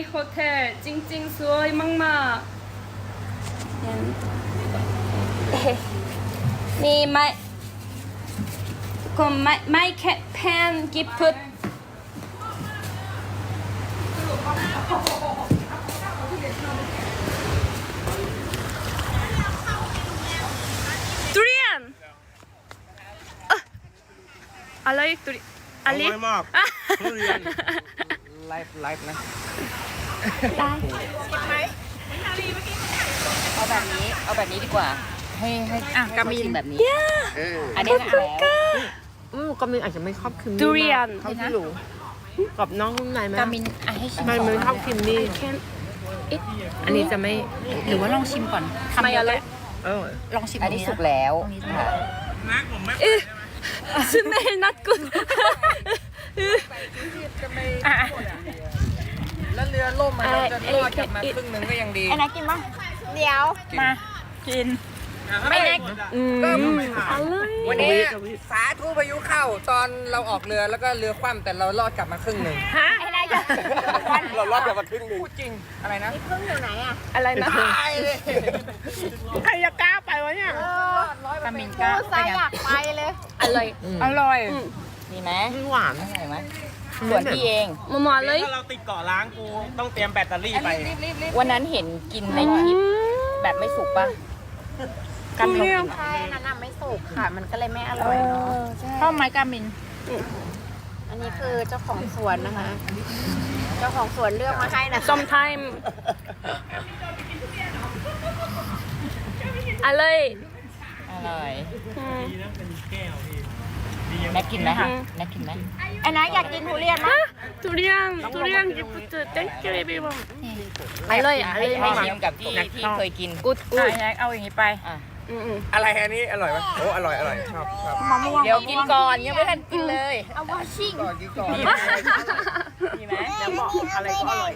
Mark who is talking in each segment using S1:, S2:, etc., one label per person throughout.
S1: โฮเทลจริงๆสวยมากๆนี่ไม่แค่แพนกิฟต์ทุเรียนอะไรทุเรียนอร่อย
S2: มากทุเรียนไลฟ์นะ
S1: ได้
S3: เอาแบบนี้ดีกว่า ให้กามินแบบนี้ อัน
S1: ข
S3: นี้
S1: อบ
S3: นะ
S1: คุณค่ะ
S4: ก็มีอาจจะไม่ชอบครีมมี่
S1: ทุเรียน
S4: เขาที่รู้กับน้องนุ่มในไหม
S3: กามินให้ชิม
S4: มัน
S3: ก่อน
S4: ไม่ชอบครีมมี่ อันนี้จะไม่
S3: หรือว่าลองชิมก่อนคำ
S1: ไม่
S3: เดียว
S1: อะไร
S3: ลองชิมอันนี้สุกแล้วค่ะ
S1: smell not good
S2: แล้วเรือล่มมันเราจะรอดกลับมาครึ่งหนึงก็ยังดี
S3: ไอ้นักกินปะเดี๋ยวมากินไม่นัก
S2: วันนี้สาธุพายุเข้าตอนเราออกเรือแล้วก็เรือคว่ำแต่เรารอดกลับมาครึ่งหนึ่ง
S3: ไอ้นักจะ
S2: เรารอดกลับมาครึ่งหนึ่งพูดจริงอะไรนะ
S1: อะไรนะ
S2: ตายเลย
S4: ใครจะกล้าไปวะเนี่ย
S3: กามินก็เป็นไง
S1: อร่อย
S3: อร่อยดีไหม
S4: มันหวาน
S3: อร่อยไหมส่วนพี่เอง
S1: มาเลย
S2: ถ้าเราติดเกาะล้างกูต้องเตรียมแบตเตอรี่ไป
S3: วันนั้นเห็นกินในคลิปแบบไม่สุกปะกันลองกิน
S5: ใช่นั่นน่ะไม่สุกค่ะ มันก็เลยไม่อร่อยเนาะ
S3: ชอบไหมกามิน
S5: อันนี้คือเจ้าของสวนนะคะ เจ้าของสวนเลือกมาให้นะ
S1: sometime อร่อย
S3: อร่อย
S1: อืม
S3: แม็กกินไหมคะแม็กกินไหมไอ้นักอยากกินทุเรียนไหม
S1: ทุเรียนกิฟต์ thank you everyone อร่อยอร่อย
S3: ให้
S1: มาก
S3: ชิมกับที่เคยกิน
S1: good
S3: ไอ้
S1: good
S3: นักเอาอย่างนี้ไป
S2: อะไรอันนี้อร่อยไหมโอ้อร่อยชอบ
S3: เดี๋ยวกินก่อนยังไม่ทันกินเลย
S5: เอาวาชิ่ง
S2: ก่อนกินก่อน
S3: ดีไหมแล้วบอกอะไรก็อร่อย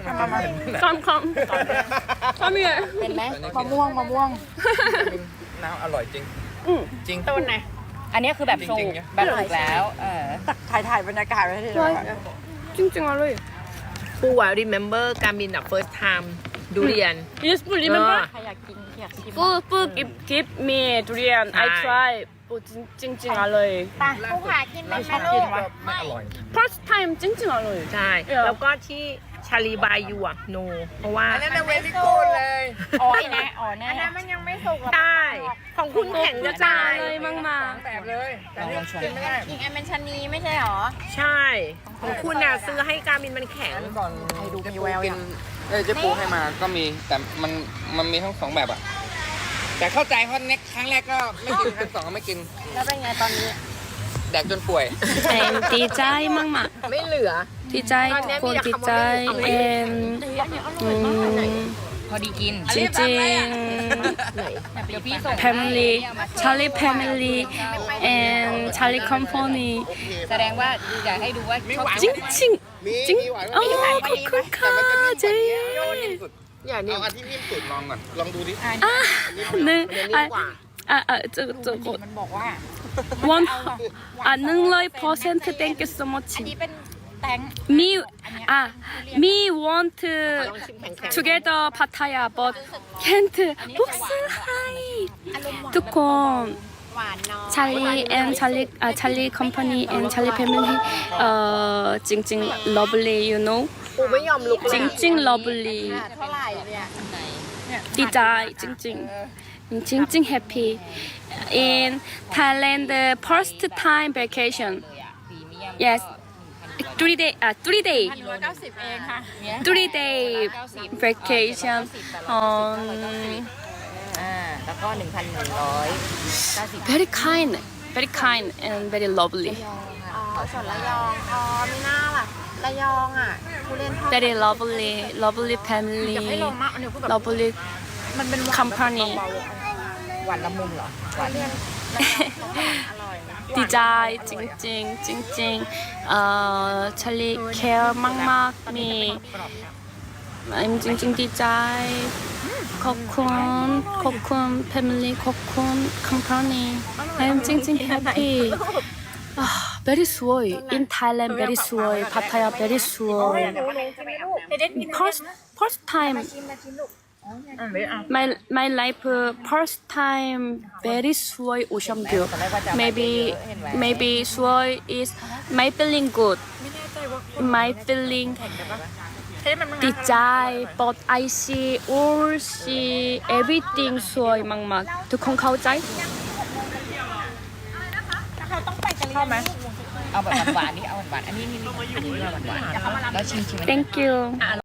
S1: come here
S3: เป็นไหมมะม่วง
S2: น้ำอร่อยจริงจริง
S3: ต้นไหนอันนี้คือแบบสุก
S2: จริงๆนะ
S3: แบบสุกแล้ว
S4: ถ่ายบรรยากาศไว้ให้ดู
S1: จริงๆอร่อย
S4: ปูอ่ะ remember การบินอ่ะ first time ดูเรียน
S1: yes food remember
S3: ใครอยากกินอยากชิม
S1: food give me ทุเรียน I try จริงๆอร่อย
S5: ไปผู้หากินไหม
S3: ชอ
S5: คะ
S3: บ
S5: ลู
S3: กิน
S5: ก
S3: วะ
S2: ไม่อร่อย
S1: first time จริงๆอร่อย
S4: ใช่ แล้วก็ที่ชาลีบายยูอ่ะ no เพราะว่า
S2: อันนั้นเวลิกูดเลย
S3: อ๋อไอ้นะอ๋อแน่
S5: อันนั้นมันยังไม่สุกหรอก
S4: ได้ ของคุณแข็งจะตาย
S1: เลยมาก
S2: แบบเลยแต่นี่กินไม่ได้
S5: อีกอันเป็นชะนีไม่ใช่หรอ
S4: ใช่ ของคุณน่ะซื้อให้การบินมันแข็ง
S2: ก่อนดูมีแววกินเจ๊ปูให้มาก็มีแต่มันมีทั้งสองแบบอะแต่เข้าใจเพราะเน็กครั้งแรกก็ไม่กินครั้งสองก็ไม่กิน
S5: แล้วเป็นไงตอนนี้
S2: แดกจนป่วย
S1: ๆแอนดีใจมาก
S4: ไม่เหลือ
S1: ๆดีใจทุกคนดีใจแอน
S3: พอดีกิน
S1: จริง
S3: เดี๋ยวพี่ส่ง
S1: ๆ family Charlie family and Charlie company
S3: แสดงว่าอยากให้ดูว่าชอบ
S1: จริงๆจริงอ๋อขอบคุณค่ะเจ๊
S4: อย่างนี้
S2: เอาอันที่นิ่มสุดลองก่อนลองดูดิ
S1: หนึ่ง
S4: มันนิ่มกว่า
S1: จะกด
S3: มันบอกว่า
S1: one 100% thank you so much
S5: อันนี้เป็นแตง
S1: me want to together Pattaya but can't box hi ทุกคน
S5: หวานน้อย
S1: Charlie and Charlie company and Charlie family จริงๆ lovely you know
S4: ปูไม่ยอมลุก
S1: จริงๆ lovely
S5: เท่าไหร่เนี่ย
S1: ดีใจจริงๆจริงๆ happy in Thailand the first time vacation yes 3 day 3 day
S5: 190เองค่ะ
S1: 3 day vacation
S3: แล้วก็ 1,190
S1: very kind and very lovely
S5: อ๋อส่วนระยองอ๋อมีหน้าล่ะระยองอ่ะผู้เล่นทอด
S1: very lovely family
S5: ให้ลงมากอันนี้คือแบบ
S1: lovely
S5: มันเป็น
S1: company
S3: หวานละมุนเหรอหวาน
S5: อร่อย
S1: ดีใจจริงๆจริงๆCharlie care มากๆมีจริงๆดีใจขอบคุณ family ขอบคุณ company จริงๆ happy very sweet in Thailand very sweet Pattaya very sweet first time my life first time very sweet ocean view maybe sweet is my feeling good my feeling ดีใจ but I see all see everything สวยมากๆทุกคนเข้าใจ
S3: เข้าไหมเอาแบบหวานๆนี่เอาหวานๆอันนี้นี่อันนี้หวานๆแล้วชิมๆ
S1: thank you